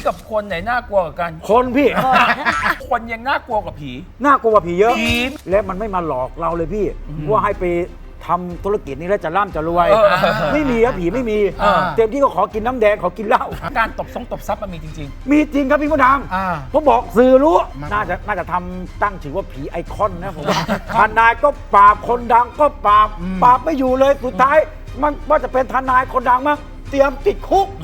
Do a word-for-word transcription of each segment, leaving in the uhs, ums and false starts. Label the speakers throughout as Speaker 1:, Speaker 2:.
Speaker 1: กับคนไหนน่ากลัวกว่ากัน
Speaker 2: คนพี่
Speaker 1: คนยังน่ากลัวกว่าผี
Speaker 2: น่ากลัวกว่าผีเยอะ
Speaker 1: ผี
Speaker 2: และมันไม่มาหลอกเราเลยพี่ว่าให้ไปทำธุรกิจนี้แล้วจะร่ำจะรวย
Speaker 1: เออ
Speaker 2: ไม่มีครับผีไม่มี
Speaker 1: เออ
Speaker 2: เต็มที่ก็ขอกินน้ำแดงขอกินเหล้า
Speaker 1: การตบซงตบซับมันมีจริง
Speaker 2: มีจริงครับพี่มดด
Speaker 3: อ่า
Speaker 2: ำผมบอกสื่อรู้
Speaker 3: มัน
Speaker 2: น่าจะน่าจะทำตั้งชื่อว่าผีไอคอนนะผมว่าทนายก็ปราบคนดังก็ปราบปราบไม่อยู่เลยสุดท้าย มันว่าจะเป็นทนายคนดังมั้งเตรียมติดคุก
Speaker 1: ๆ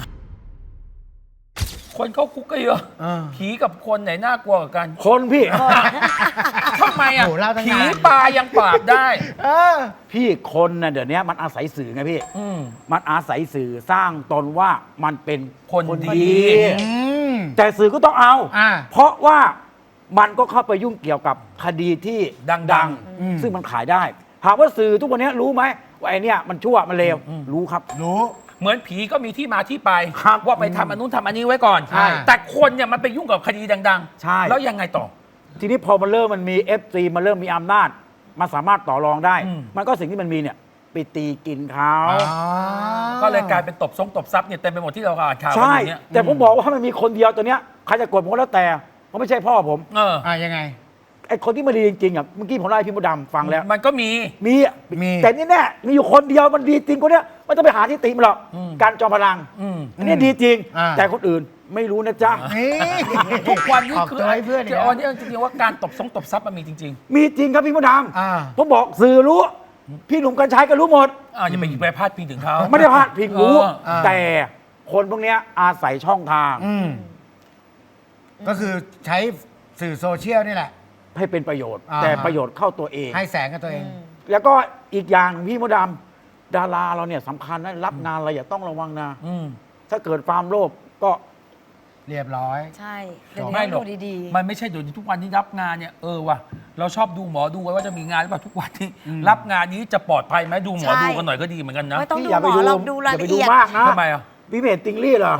Speaker 1: คนเข้าคุกก็เยอะ
Speaker 3: เออ
Speaker 1: ผีกับคนไหนน่ากลัวกว่ากัน
Speaker 2: คนพี่
Speaker 1: ทำไมอ่ะ
Speaker 3: โหเล่าตั้งนาน
Speaker 1: ผีปลายังปราบได้
Speaker 3: เออ
Speaker 2: พี่คนน่ะเดี๋ยวนี้มันอาศัยสื่อไงพี่
Speaker 1: อืม
Speaker 2: มันอาศัยสื่อสร้างตนว่ามันเป็น
Speaker 1: คนดี
Speaker 3: อืม
Speaker 2: แต่สื่อก็ต้องเอา
Speaker 3: อ่า
Speaker 2: เพราะว่ามันก็เข้าไปยุ่งเกี่ยวกับคดีที่
Speaker 1: ดัง
Speaker 3: อืม
Speaker 2: ซึ่งมันขายได้ ถามว่าสื่อทุกวันนี้รู้ไหมว่าไอเนี้ยมันชั่วมันเลวรู้ครับ
Speaker 3: รู้
Speaker 1: เหมือนผีก็มีที่มาที่ไป
Speaker 2: ครับ
Speaker 1: ว่าไปทำอันนู้นทำอันนี้ไว้ก่อน
Speaker 3: ใช่
Speaker 1: แต่คนเนี่ยมันไปยุ่งกับคดีดังๆ
Speaker 2: ใช่
Speaker 1: แล้วยังไงต่อ
Speaker 2: ทีนี้พอมันเริ่มมันมี เอฟ ซี มันเริ่มมีอำนาจมันสามารถต่อรองได้
Speaker 1: อืม
Speaker 2: มันก็สิ่งที่มันมีเนี่ยไปตีกินเขา
Speaker 3: อ๋อ
Speaker 1: ก็เลยกลายเป็นตบซงตบซับเนี่ยเต็มไปหมดที่เราอ่านข่าวกัน
Speaker 2: ใช่
Speaker 1: อยู่เนี่ย
Speaker 2: แต่ผมบอกว่าถ้ามันมีคนเดียวตัวเนี้ยใครจะกดผมก็แล้วแต่เพราะไม่ใช่พ่อผม
Speaker 1: เออ
Speaker 3: อ่ายังไง
Speaker 2: ไอคนที่มาดีจริงๆอ่ะเมื่อกี้ผมเล่าให้พี่มดดำฟังแล้ว
Speaker 1: มันก็มี
Speaker 2: มีอ่ะ
Speaker 3: มี
Speaker 2: แต่นี่แน่มีอยู่คนเดียวมันดีจริงคนเนี้ยไม่ต้องไปหาที่ติมันหรอก
Speaker 1: อืม
Speaker 2: การจอมพลัง
Speaker 1: อืม
Speaker 2: อันนี้ดีจริง
Speaker 3: อ่า
Speaker 2: แต่คนอื่นไม่รู้นะจ๊ะ
Speaker 3: นี่
Speaker 1: ทุกวันนี้
Speaker 3: ออก
Speaker 1: คือ
Speaker 3: ตัวให้เพื่อนอีก
Speaker 1: จะ
Speaker 3: แล้ว
Speaker 1: เอาเนี่ยจริงๆว่าการตบซงตบซับมันมีจริง
Speaker 2: มีจริงครับพี่มดด
Speaker 3: อ่า
Speaker 2: ำผมบอกสื่อรู้ พี่หนุ่มกัญชัยก็รู้หมด
Speaker 1: ๆอ่าอย่าไปไปพาดพิงถึงเขา
Speaker 2: ไม่ได้พลาดพิงรู้
Speaker 1: เออ
Speaker 3: อ่า
Speaker 2: แต่คนพวกเนี้ยอาศัยช่องทาง
Speaker 3: อืมก็คือใช้สื่อโซเชียลนี่แหละ
Speaker 2: ให้เป็นประโยชน์
Speaker 3: อ่า
Speaker 2: แต่ประโยชน์เข้าตัวเอง
Speaker 3: ให้แสงกับตัวเอง
Speaker 2: แล้วก็อีกอย่างพี่มดดำดาราเราเนี่ยสำคัญนะรับงานอะไรอย่าต้องระวังนะ
Speaker 1: อืม
Speaker 2: ถ้าเกิดความโลภก็
Speaker 3: เรียบร้อย
Speaker 4: ใช่เดี๋ยว
Speaker 1: ไม่
Speaker 4: นี้
Speaker 1: หร
Speaker 4: ดู
Speaker 1: อก
Speaker 4: ดี
Speaker 1: มันไม่ใช่เดี๋ยวนี้ทุกวันที่รับงานเนี่ยเออว่ะเราชอบดูหมอดูไว้ว่าจะมีงานหรือเปล่าทุกวันที่รับงานนี้จะปลอดภัยไหมดูหมอดูกันหน่อยก็ดีเหมือนกัน
Speaker 4: ๆ
Speaker 1: นะ
Speaker 4: ไม่ต้อง
Speaker 2: พี่
Speaker 4: ดู
Speaker 2: อย่า
Speaker 4: ห
Speaker 2: ไป
Speaker 4: มอ
Speaker 2: ดู
Speaker 4: เราดูราย
Speaker 2: อย่าไป
Speaker 4: ละ
Speaker 2: ดู
Speaker 4: เอียด
Speaker 2: มากนะ
Speaker 1: ทำไมอ่ะ
Speaker 2: พี่เมทติงลี่เหรอ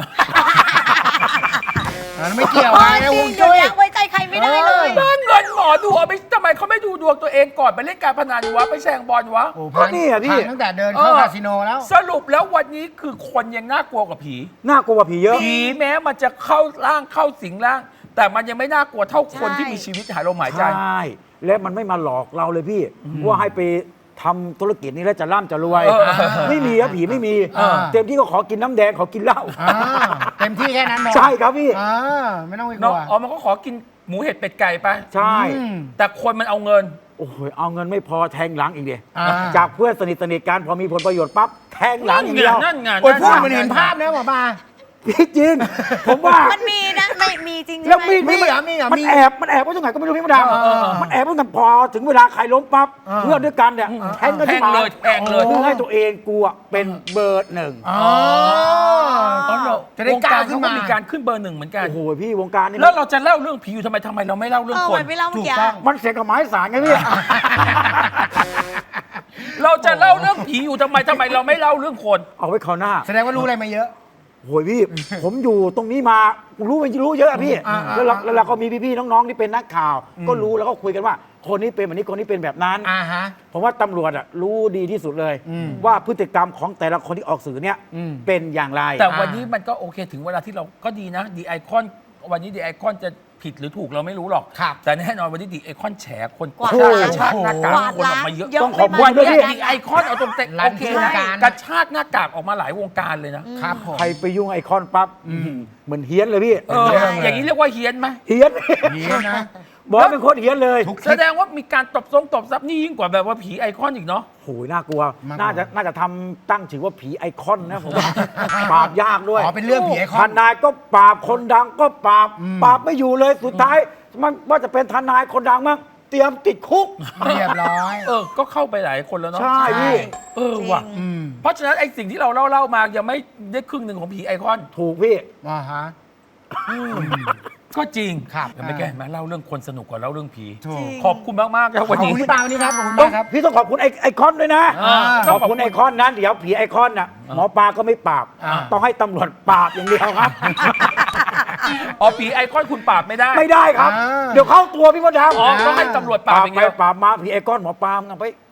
Speaker 3: อันนั้นไม่เกี่ยว
Speaker 4: เอ
Speaker 3: ไง
Speaker 4: อ
Speaker 3: นะ
Speaker 4: จ
Speaker 3: ว
Speaker 4: ริง
Speaker 3: ง
Speaker 4: เดี๋ย
Speaker 3: จุ้
Speaker 4: วย นี้ไว้ใจใครไม่ได้เลย
Speaker 1: บ้านเงินหมอดูเอาไปทำไมเขาไม่ดูดวงตัวเองก่อนไปเล่นการพนันวะไปแช่งบอลวะ
Speaker 3: โอ้
Speaker 2: ก็นี่อะพี่
Speaker 3: พังตั้งแต่เดินเข้า
Speaker 1: เออ
Speaker 3: คาสิโนแล้ว
Speaker 1: สรุปแล้ววันนี้คือคนยังน่ากลัวกว่าผี
Speaker 2: น่ากลัวกว่าผีเยอะ
Speaker 1: ผีแม้มันจะเข้าร่างเข้าสิงร่าง แต่มันยังไม่น่ากลัวเท่าคน
Speaker 4: ใช่
Speaker 1: ที่มีชีวิตหายลมหายใจ
Speaker 2: ใช่และมันไม่มาหลอกเราเลยพี่ ว่าให้ไปทำธุรกิจนี้แล้วจะร่ำจะรวย
Speaker 1: เออ
Speaker 2: ไม่มีครับผีไม่มี
Speaker 3: เออ
Speaker 2: เต็มที่ก็ขอกินน้ำแดงขอกินเหล้า
Speaker 3: อ่าเต็มที่แค่นั้นหมด
Speaker 2: ใช่ครับพี่
Speaker 3: อ่าไม่ต้องไปก
Speaker 1: เนาะ
Speaker 3: ลัว
Speaker 1: อ๋อมันก็ขอกินหมูเห็ดเป็ดไก่ไป
Speaker 2: ใช่
Speaker 3: อืม
Speaker 1: แต่คนมันเอาเงิน
Speaker 2: โอ้โหเอาเงินไม่พอแทงหลังอีกเดีย
Speaker 3: อ่า
Speaker 2: จากเพื่อนสนิทสนิทกันพอมีผลประโยชน์ปั๊บแทงหลังอย่างเดียว
Speaker 1: นั่นไง
Speaker 3: โอ้ยพูด
Speaker 1: นั่นไง
Speaker 3: เหมือนเห็นภาพนะหมอปลา
Speaker 2: พี่จริง ผมว่า
Speaker 4: มันมีนะไม่มีจริงใช่
Speaker 2: แล้ว
Speaker 4: ไหม
Speaker 2: มีด
Speaker 3: มี
Speaker 2: นี่
Speaker 3: เหรอมีเหรอ
Speaker 2: มัน
Speaker 3: มี
Speaker 2: แอบมันแอบไว้ตรงไหนก็ไม่รู้พี่มดด
Speaker 3: เออเออ
Speaker 2: ำมันแอบไว้ตั้งพอถึงเวลาใครล้มปั๊บ
Speaker 3: เออ
Speaker 2: เพื่อนด้วยกันเนี่ยแทงกัน
Speaker 1: แท
Speaker 2: ที่
Speaker 1: ง
Speaker 2: หมา
Speaker 1: เลยแทงเลย
Speaker 2: เพื่อให้ตัวเองกลัวเป็นเบอร์หนึ่ง
Speaker 3: อ๋อ
Speaker 1: อ๋อเหรอ
Speaker 3: จะได้
Speaker 1: วง
Speaker 3: กล้า
Speaker 1: การ
Speaker 3: ขึ้
Speaker 1: เขา
Speaker 3: น
Speaker 1: ก็
Speaker 3: มา
Speaker 1: มีการขึ้นเบอร์หนึ่งเหมือนกัน
Speaker 2: โอ้โหพี่วงการนี่
Speaker 1: แล้วเราจะเล่าเรื่องผีอยู่ทำไมทำไมเราไม่เล่าเรื่อง
Speaker 4: เออ
Speaker 1: คน
Speaker 4: มันไม่เล่าเมื่อกี้
Speaker 3: ถูกต้อง
Speaker 2: มันเสียงกับไม้สารไงพี่
Speaker 1: เราจะเล่าเรื่องผีอยู่ทำไมทำไมเราไม่เล่าเรื่องคน
Speaker 2: เอาไว้คราวหน้า
Speaker 3: แสดงว่ารู้อะไรมาเยอะ
Speaker 2: โอ้ยพี่ ผมอยู่ตรงนี้มารู้มันรู้เยอะอะพี่
Speaker 3: อ่าอ่า
Speaker 2: แล้วเราแล้วเราก็มีพี่ๆน้องๆที่เป็นนักข่าว ก็รู้แล้วก็คุยกันว่า คนนี้เป็นแบบนี้คนนี้เป็นแบบนั้น
Speaker 3: อ่าฮะ
Speaker 2: ผมว่าตำรวจอะรู้ดีที่สุดเลย
Speaker 3: อืม
Speaker 2: ว่าพฤติกรรมของแต่ละคนที่ออกสื่อเนี่ย
Speaker 3: อืม
Speaker 2: เป็นอย่างไร
Speaker 1: แต่วันนี้มันก็โอเคถึงเวลาที่เราก็ดีนะดีไอคอนวันนี้ดีไอคอนจะผิดหรือถูกเราไม่รู้หรอก
Speaker 3: ครับ
Speaker 1: แต่แน่นอนวันนี้ดีไอคอนแฉคน
Speaker 4: กวาด
Speaker 1: ก
Speaker 4: ล้าง
Speaker 1: ระชากหน้ากาก
Speaker 4: กวาด
Speaker 1: คนอ
Speaker 4: ล้า
Speaker 1: อง กมาเยอะ
Speaker 4: เยอะ
Speaker 2: ต้องขอบ
Speaker 4: ไม่
Speaker 2: คุ
Speaker 4: มา
Speaker 2: ณด้วยพี่
Speaker 1: ดีไอคอนเอาตรงเตะ
Speaker 3: รั
Speaker 1: โอน เค
Speaker 3: วง
Speaker 1: นะ
Speaker 3: การ
Speaker 1: กระชากหน้ากากออกมาหลายวงการเลยนะ
Speaker 3: ครับผม
Speaker 2: ใครไปยุ่งไอคอนปั๊บเหมือนเฮี้ยนเลยพี่
Speaker 1: เอออย่างนี้เรียกว่าเฮี้ยนไหม
Speaker 2: เฮี้ยน
Speaker 3: ดีนะ
Speaker 2: บอกว่าเป็นคนเฮี้ยนเลย
Speaker 3: ทุก
Speaker 1: แสดงว่ามีการตบทรงตบซับนี่ยิ่งกว่าแบบว่าผีไอคอนอีกเนาะ
Speaker 2: โอ้ยน่ากลัว
Speaker 3: มากกว่า
Speaker 2: น่าจะน่าจะทำตั้งชื่อว่าผีไอคอนนะผมว่า ปราบยากด้วย
Speaker 3: อ๋อเป็นเรื่องผีไอค
Speaker 2: ท
Speaker 3: อน
Speaker 2: นายก็ปราบคนดังก็ปราบ
Speaker 3: อืม
Speaker 2: ปราบไม่อยู่เลยสุดท้าย มันว่าจะเป็นทนายคนดังมั้งเตรียมติดคุก
Speaker 3: เรียบร้อย
Speaker 1: เออก็เข้าไปหลายคนแล้วเนาะ
Speaker 2: ใช่พี่
Speaker 1: เออว่ะ
Speaker 4: จริง
Speaker 3: อืม
Speaker 1: เพราะฉะนั้นไอสิ่งที่เราเล่าเล่ามายังไม่ได้ครึ่งหนึ่งของผีไอคอน
Speaker 2: ถูกพี่
Speaker 3: อ่าฮะ
Speaker 1: ก็จริง
Speaker 3: ครับ
Speaker 1: ยังไม่แก้มาเล่าเรื่องคนสนุกกว่าเล่าเรื่องผี
Speaker 3: ถูก
Speaker 1: ขอบคุณมากๆครับ
Speaker 3: ข
Speaker 1: วั
Speaker 3: อบ
Speaker 1: นนี้
Speaker 3: คุณพี่ปาวันนี้ครับขอบคุณ
Speaker 2: ต้อ
Speaker 3: มาง กครับ
Speaker 2: พี่ต้องขอบคุณไอไอคอนด้วยนะ
Speaker 1: อ่า
Speaker 2: ขอบคุณไอคอนนั้นเดี๋ยวผีไอคอนน่ะหมอปลาก็ไม่ปราบ
Speaker 3: อ่า
Speaker 2: ต้องให้ตำรวจปราบอย่างเดียวครับ
Speaker 1: อ๋อผีไอคอนคุณปราบไม่ได้
Speaker 2: ไม่ได้ครับ
Speaker 3: อ่า
Speaker 2: เดี๋ยวเข้าตัวพี่มดดำ
Speaker 1: อ๋อต้องให้ตำรวจปราบอย่าง
Speaker 2: ไป
Speaker 1: เดียว
Speaker 2: ปราบมาผีไอคอนหมอปลามึงเอาไป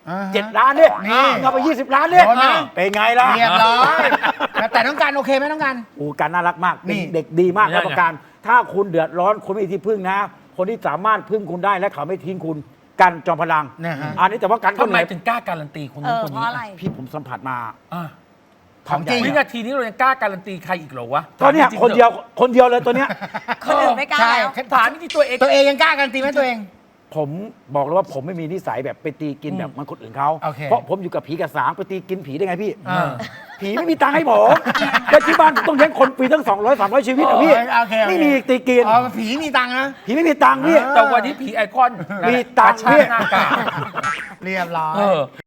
Speaker 3: อ่าฮะ
Speaker 2: เจ็ดล้านเนี่ย
Speaker 3: นี่
Speaker 2: เอาไปยี่สิบล้านเนี่ย
Speaker 3: โดนไหม
Speaker 2: เป็นไงล่ะ
Speaker 3: เรียบร้อยแต่แต่ต้องการโอเคไหมต้องการ
Speaker 2: โอ้การน่ารักมาก
Speaker 3: นี่
Speaker 2: เป็นเด็กดีมาก
Speaker 1: นี่
Speaker 2: รับประกันถ้าคุณเดือดร้อนคุณไม่มีที่พึ่งนะ คนที่สามารถพึ่งคุณได้และเขาไม่ทิ้งคุณกันจอมพลัง
Speaker 3: นะฮะ
Speaker 2: อันนี้แต่ว่ากัน
Speaker 1: ทำ
Speaker 2: คน
Speaker 1: ไม
Speaker 2: ไหน
Speaker 1: ถึงกล้าการันตีคน
Speaker 4: เอ
Speaker 1: นู้น
Speaker 4: อ
Speaker 1: คน
Speaker 4: เพ
Speaker 1: นี้
Speaker 4: ราะอะไร
Speaker 2: พี่ผมสัมผัสมา
Speaker 1: อ่ะ
Speaker 3: ของจริง
Speaker 1: วินาทีนี้เรายังกล้าการันตีใครอีกเหรอวะ
Speaker 2: ก็เนี่ย
Speaker 1: ถามจริงๆ
Speaker 2: คนเดียวคนเดียวเลยตัวเนี้ย
Speaker 4: คนอื่นไม่กล้า
Speaker 3: ใช่
Speaker 4: แล้ว
Speaker 1: ถามที่ตัวเอง
Speaker 3: ตัวเองยังกล้าการันตีไหมตัวเอง
Speaker 2: ผมบอกเลยว่าผมไม่มีนิสัยแบบไปตีกินแบบมันคนอื่นเขา
Speaker 3: โอเค
Speaker 2: เพราะผมอยู่กับผีกับสางไปตีกินผีได้ไงพี่
Speaker 3: อ่า
Speaker 2: ผีไม่มีตังค์ให้ผมแต่ที่บ้านผมต้องเลี้ยงคนปีตั้งสองร้อยสามร้อยชีวิตอะพี่
Speaker 3: โอเคโอเค
Speaker 2: ไม่มีตีกิน
Speaker 3: อ๋อผีมีตังค์นะ
Speaker 2: ผีไม่มีตังค์พี่
Speaker 3: เออ
Speaker 1: แต่วันนี้ผีไอคอน
Speaker 2: มีตังค์
Speaker 1: กระชาก
Speaker 2: พี่
Speaker 1: หน้ากาก
Speaker 3: เรียบร้อย
Speaker 1: เออ